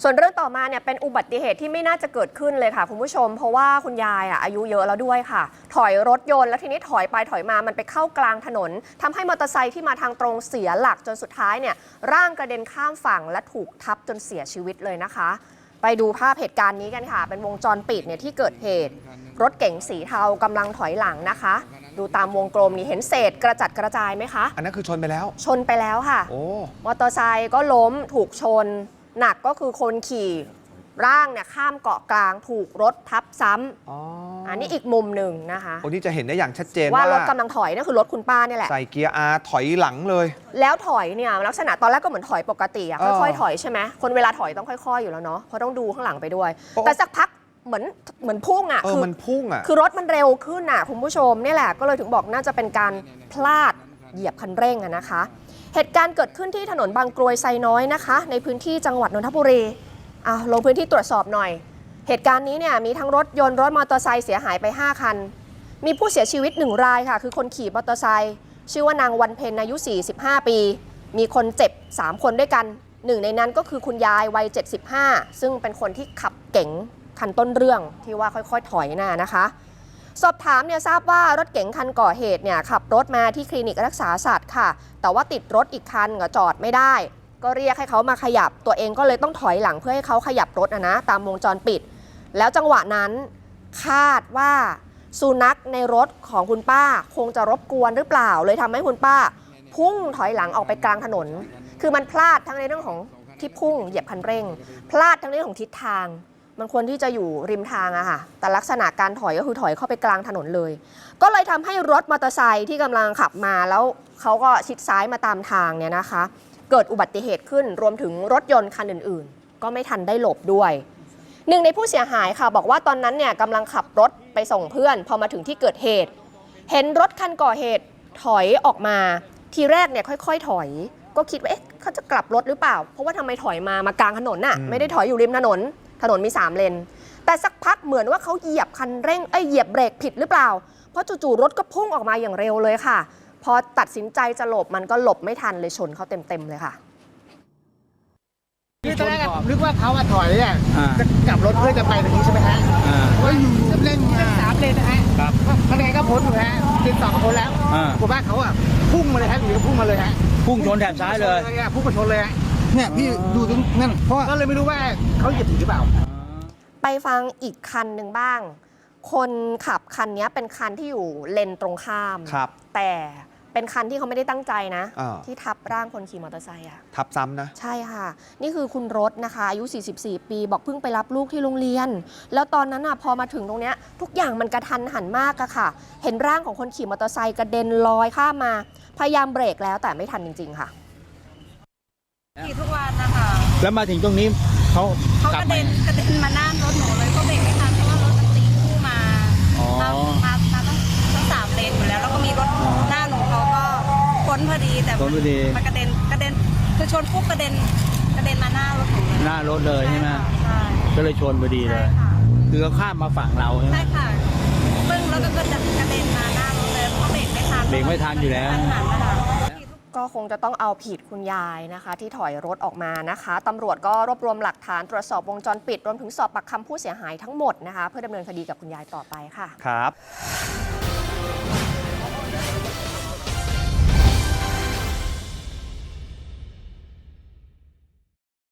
ส่วนเรื่องต่อมาเนี่ยเป็นอุบัติเหตุที่ไม่น่าจะเกิดขึ้นเลยค่ะคุณผู้ชมเพราะว่าคุณยายอายุเยอะแล้วด้วยค่ะถอยรถยนต์แล้วทีนี้ถอยไปถอยมามันไปเข้ากลางถนนทำให้มอเตอร์ไซค์ที่มาทางตรงเสียหลักจนสุดท้ายเนี่ยร่างกระเด็นข้ามฝั่งและถูกทับจนเสียชีวิตเลยนะคะไปดูภาพเหตุการณ์นี้กันค่ะเป็นวงจรปิดเนี่ยที่เกิดเหตุรถเก๋งสีเทากำลังถอยหลังนะคะดูตามวงกลมนี่เห็นเศษกระจัดกระจายไหมคะอันนั้นคือชนไปแล้วค่ะโอ้มอเตอร์ไซค์ก็ล้มถูกชนหนักก็คือคนขี่ร่างเนี่ยข้ามเกาะกลางถูกรถทับซ้ำอันนี้อีกมุมหนึ่งนะคะโอ้นี่จะเห็นได้อย่างชัดเจนว่ารถกำลังถอยนั่นคือรถคุณป้าเนี่ยแหละใส่เกียร์ R ถอยหลังเลยแล้วถอยเนี่ยลักษณะตอนแรกก็เหมือนถอยปกติค่อยๆถอยใช่ไหมคนเวลาถอยต้องค่อยๆอยู่แล้วเนาะเพราะต้องดูข้างหลังไปด้วยแต่สักพักเหมือนพุ่งมันพุ่งคือรถมันเร็วขึ้นคุณผู้ชมนี่แหละก็เลยถึงบอกน่าจะเป็นการพลาดเหยียบคันเร่งนะคะเหตุการณ์เกิดขึ้นที่ถนนบางกรวยไซน้อยนะคะในพื้นที่จังหวัดนนทบุรีลงพื้นที่ตรวจสอบหน่อยเหตุการณ์นี้เนี่ยมีทั้งรถยนต์รถมอเตอร์ไซค์เสียหายไป5คันมีผู้เสียชีวิต1รายค่ะคือคนขี่มอเตอร์ไซค์ชื่อว่านางวันเพ็ญอายุ45ปีมีคนเจ็บ3คนด้วยกันหนึ่งในนั้นก็คือคุณยายวัย75ซึ่งเป็นคนที่ขับเก๋งคันต้นเรื่องที่ว่าค่อยๆถอยนะคะสอบถามเนี่ยทราบว่ารถเก๋งคันก่อเหตุเนี่ยขับรถมาที่คลินิกรักษาสัตว์ค่ะแต่ว่าติดรถอีกคันก็จอดไม่ได้ก็เรียกให้เขามาขยับตัวเองก็เลยต้องถอยหลังเพื่อให้เขาขยับรถนะตามวงจรปิดแล้วจังหวะนั้นคาดว่าสุนัขในรถของคุณป้าคงจะรบกวนหรือเปล่าเลยทำให้คุณป้าพุ่งถอยหลังออกไปกลางถนนคือมันพลาดทั้งในเรื่องของที่พุ่งเหยียบคันเร่งพลาดทั้งในเรื่องของทิศทางมันควรที่จะอยู่ริมทางค่ะแต่ลักษณะการถอยก็คือถอยเข้าไปกลางถนนเลยก็เลยทำให้รถมอเตอร์ไซค์ที่กำลังขับมาแล้วเขาก็ชิดซ้ายมาตามทางเนี่ยนะคะเกิดอุบัติเหตุขึ้นรวมถึงรถยนต์คันอื่นๆก็ไม่ทันได้หลบด้วยหนึ่งในผู้เสียหายค่ะบอกว่าตอนนั้นเนี่ยกำลังขับรถไปส่งเพื่อนพอมาถึงที่เกิดเหตุเห็นรถคันก่อเหตุถอยออกมาทีแรกเนี่ยค่อยๆถอยก็คิดว่าเขาจะกลับรถหรือเปล่าเพราะว่าทำไมถอยมากลางถนนไม่ได้ถอยอยู่ริมถนนมี3เลนแต่สักพักเหมือนว่าเขาเหยียบคันเร่งเหยียบเบรกผิดหรือเปล่าเพราะจู่ๆรถก็พุ่งออกมาอย่างเร็วเลยค่ะพอตัดสินใจจะหลบมันก็หลบไม่ทันเลยชนเขาเต็มๆเลยค่ะตอนแรกผมนึกว่าเขาถอยจะกลับรถเพื่อจะไปตรงนี้ใช่ไหมฮะว่าอยู่เล่น3เลนนะฮะคะแนนก็พ้นอยู่ฮะติดต่อคนแล้วผมว่าเขาพุ่งมาเลยฮะอยู่พุ่งมาเลยฮะพุ่งชนแถบซ้ายเลยพุ่งมาชนเลยฮะเนี่ยพี่ดูตรงนั่นเพราะก็เลยไม่รู้ว่าเขาเหยียบถึงหรือเปล่าไปฟังอีกคันหนึ่งบ้างคนขับคันนี้เป็นคันที่อยู่เลนตรงข้ามแต่เป็นคันที่เขาไม่ได้ตั้งใจนะที่ทับร่างคนขี่มอเตอร์ไซค์ทับซ้ำนะใช่ค่ะนี่คือคุณรถนะคะอายุ44ปีบอกเพิ่งไปรับลูกที่โรงเรียนแล้วตอนนั้นพอมาถึงตรงนี้ทุกอย่างมันกระทันหันมากค่ะเห็นร่างของคนขี่มอเตอร์ไซค์กระเด็นลอยข้ามมาพยายามเบรกแล้วแต่ไม่ทันจริงๆค่ะขี่ทุกวันนะคะแล้วมาถึงตรงนี้เขากระเด็นมาหน้ารถหนูเลยก็เบรกไม่ทันเพราะว่ารถมันตีคู่มาตั้ง3เลนอยู่แล้วแล้วก็มีรถหน้าหนูเขาก็พ้นพอดีแต่มันกระเด็นคือชนปุ๊บกระเด็นมาหน้ารถหนูหน้ารถเลยใช่ไหมใช่ก็เลยชนพอดีเลยคือเขาข้ามมาฝั่งเราใช่ไหมใช่ค่ะปึ้งแล้วก็กระเด็นมาหน้ารถเลยเพราะเบรกไม่ทันอยู่แล้วก็คงจะต้องเอาผิดคุณยายนะคะที่ถอยรถออกมานะคะตำรวจก็รวบรวมหลักฐานตรวจสอบวงจรปิดรวมถึงสอบปากคำผู้เสียหายทั้งหมดนะคะเพื่อดำเนินคดีกับคุณยายต่อไปค่ะครับ